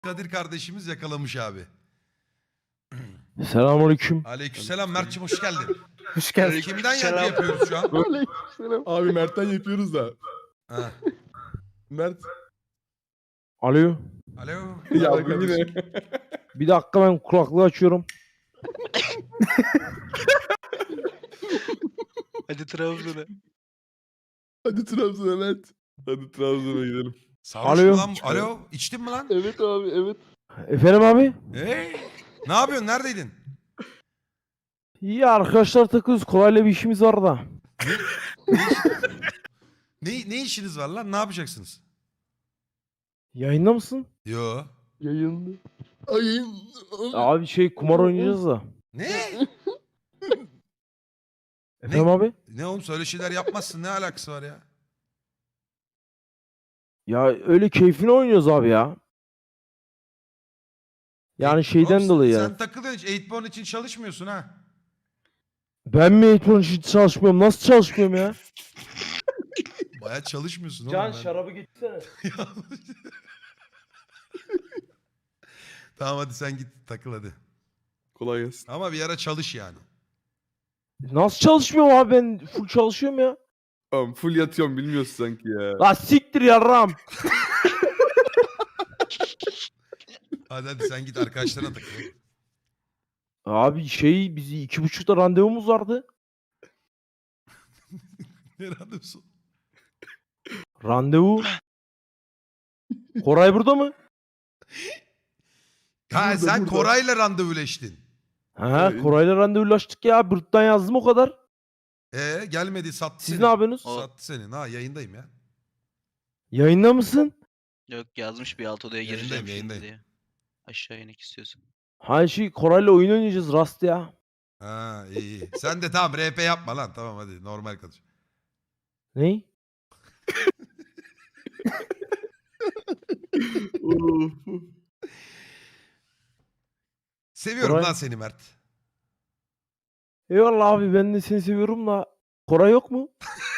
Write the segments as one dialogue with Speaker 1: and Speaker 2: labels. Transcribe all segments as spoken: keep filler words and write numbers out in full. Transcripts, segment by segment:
Speaker 1: Kadir kardeşimiz yakalamış abi.
Speaker 2: Selamünaleyküm.
Speaker 1: Aleykümselam Mert'cim, hoş geldin.
Speaker 2: Hoş geldin.
Speaker 1: Kimden yankı yapıyoruz şu an?
Speaker 3: Abi Mert'ten yapıyoruz da.
Speaker 1: Ha.
Speaker 3: Mert.
Speaker 2: Alo.
Speaker 1: Alo.
Speaker 3: Ya
Speaker 4: Merhaba
Speaker 3: bu yine.
Speaker 2: Bir dakika ben kulaklığı açıyorum.
Speaker 4: Hadi Trabzon'a.
Speaker 3: Hadi Trabzon'a Mert. Hadi Trabzon'a gidelim.
Speaker 1: Sarhoş
Speaker 2: Alo.
Speaker 1: mu lan? Alo. İçtin mi lan?
Speaker 3: Evet abi evet.
Speaker 2: Efendim abi?
Speaker 1: Hey. Ne yapıyorsun? Neredeydin?
Speaker 2: İyi arkadaşlar takıyoruz. Kolayla bir işimiz var da.
Speaker 1: Ne, ne işiniz var lan? Ne yapacaksınız?
Speaker 2: Yayında mısın?
Speaker 1: Yo.
Speaker 3: Yayınlı. Ayın.
Speaker 2: Abi şey kumar oynayacağız da.
Speaker 1: Ne?
Speaker 2: Efendim abi?
Speaker 1: Ne oğlum, söyle şeyler yapmazsın. Ne alakası var ya?
Speaker 2: Ya öyle keyfine oynuyoruz abi ya. Yani şeyden
Speaker 1: Oğlum,
Speaker 2: dolayı
Speaker 1: sen,
Speaker 2: yani.
Speaker 1: sen takılıyorsun hiç. Eightborn için çalışmıyorsun ha.
Speaker 2: Ben mi eğitim için çalışmıyorum? Nasıl çalışmıyorum ya?
Speaker 1: Baya çalışmıyorsun oğlum. ben-
Speaker 2: getirsene.
Speaker 1: Tamam hadi sen git takıl hadi.
Speaker 3: Kolay gelsin.
Speaker 1: Ama bir ara çalış yani.
Speaker 2: Nasıl çalışmıyorum abi, ben full çalışıyorum ya.
Speaker 3: Tamam full yatıyorum bilmiyorsun sanki ya.
Speaker 2: La siktir yarram.
Speaker 1: Hadi hadi sen git arkadaşlarına takıl.
Speaker 2: Abi şey bizi iki buçukta randevumuz vardı.
Speaker 1: Ne randevusu?
Speaker 2: Randevu. Koray burada mı?
Speaker 1: Ha
Speaker 3: Burada,
Speaker 1: sen
Speaker 3: burada.
Speaker 1: Koray'la randevuleştin.
Speaker 2: Ha,
Speaker 3: Evet.
Speaker 2: Koray'la randevulaştık ya. Bırt'tan yazdım o kadar.
Speaker 1: Ee gelmedi, sattı
Speaker 2: Siz
Speaker 1: seni.
Speaker 2: ne yapıyorsunuz?
Speaker 4: O-
Speaker 1: Sattı seni. Ha yayındayım ya.
Speaker 2: Yayında mısın?
Speaker 4: Yok, yazmış bir alt odaya
Speaker 1: Yayındayım,
Speaker 4: gireceğim şimdi
Speaker 1: yayındayım.
Speaker 4: diye. Aşağı inek istiyorsun.
Speaker 2: Ha şey Koray'la oyun oynayacağız Rast ya.
Speaker 1: Ha iyi iyi. Sen de tamam R P yapma lan. Tamam hadi normal konuş.
Speaker 2: Ney?
Speaker 3: Of.
Speaker 1: Seviyorum
Speaker 2: Koray-
Speaker 1: lan seni Mert.
Speaker 2: Eyvallah abi, ben de seni seviyorum da. Koray yok mu?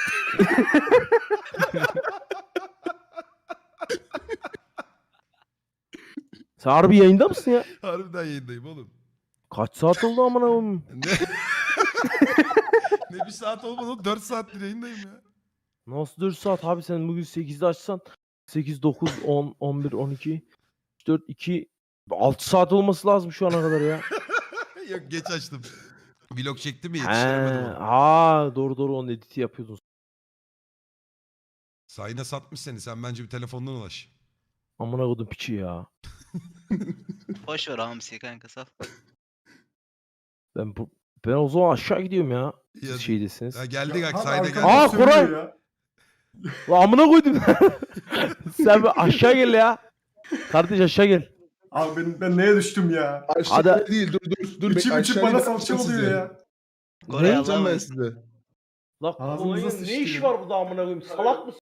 Speaker 2: Sen harbi yayında mısın ya?
Speaker 1: Harbiden yayındayım oğlum.
Speaker 2: Kaç saat oldu amına koyayım?
Speaker 1: Ne? Ne bir saat olmadı oğlum. dört saattir yayındayım ya.
Speaker 2: Nasıl dört saat abi, sen bugün sekizde açsan sekiz, dokuz, on, on bir, on iki, üç, dört, iki, altı saat olması lazım şu ana kadar ya.
Speaker 1: Yok geç açtım. Vlog çektim ya,
Speaker 2: He,
Speaker 1: yetiştiremedim onu.
Speaker 2: ha doğru doğru, onun editi yapıyordun.
Speaker 1: Sayına satmış seni. Sen bence bir telefondan ulaş.
Speaker 2: Amına koydum piçi ya.
Speaker 4: Boş ver hamsi kanka, sal.
Speaker 2: Ben bu ben o zaman aşağı gidiyorum ya.
Speaker 1: Ya-
Speaker 2: Siz şeydesiniz.
Speaker 1: Ya geldik
Speaker 5: Ya,
Speaker 1: bak
Speaker 5: abi
Speaker 1: sayda
Speaker 5: arkadan
Speaker 1: geldik.
Speaker 2: Aa,
Speaker 5: sövüyor
Speaker 2: Koray!
Speaker 5: ya.
Speaker 2: Lan amına koydum. Sen bir aşağı gel ya. Kardeş aşağı gel.
Speaker 5: Abi ben, ben neye düştüm ya?
Speaker 3: Aşağı
Speaker 2: Hadi.
Speaker 3: değil dur dur. dur
Speaker 5: İçim
Speaker 3: bek-
Speaker 5: içim
Speaker 3: aşağı
Speaker 5: bana
Speaker 3: gidip
Speaker 5: salça
Speaker 3: atacağım
Speaker 5: oluyor
Speaker 3: sizi.
Speaker 5: ya.
Speaker 4: Koray
Speaker 3: Ne yapacağım
Speaker 4: Allah'a
Speaker 3: ben
Speaker 4: emanet.
Speaker 3: size?
Speaker 2: Lan
Speaker 5: Ağzınıza
Speaker 2: Koray'ın
Speaker 5: sıçtı
Speaker 2: ne işi
Speaker 5: ya.
Speaker 2: var burada amına koyayım? Salak mısın?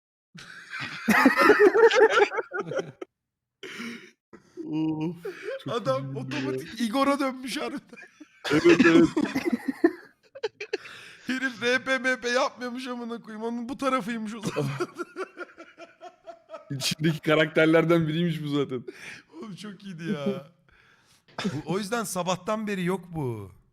Speaker 3: Of. Çok
Speaker 1: Adam
Speaker 3: üzüldüm ya.
Speaker 1: otomatik Igor'a dönmüş harbiden.
Speaker 3: Evet evet.
Speaker 1: Herif R P M P yapmıyormuş amına koyayım. Onun bu tarafıymış o zaman.
Speaker 3: İçindeki karakterlerden biriymiş bu zaten.
Speaker 1: Oğlum çok iyiydi ya. Bu- o yüzden sabahtan beri yok bu.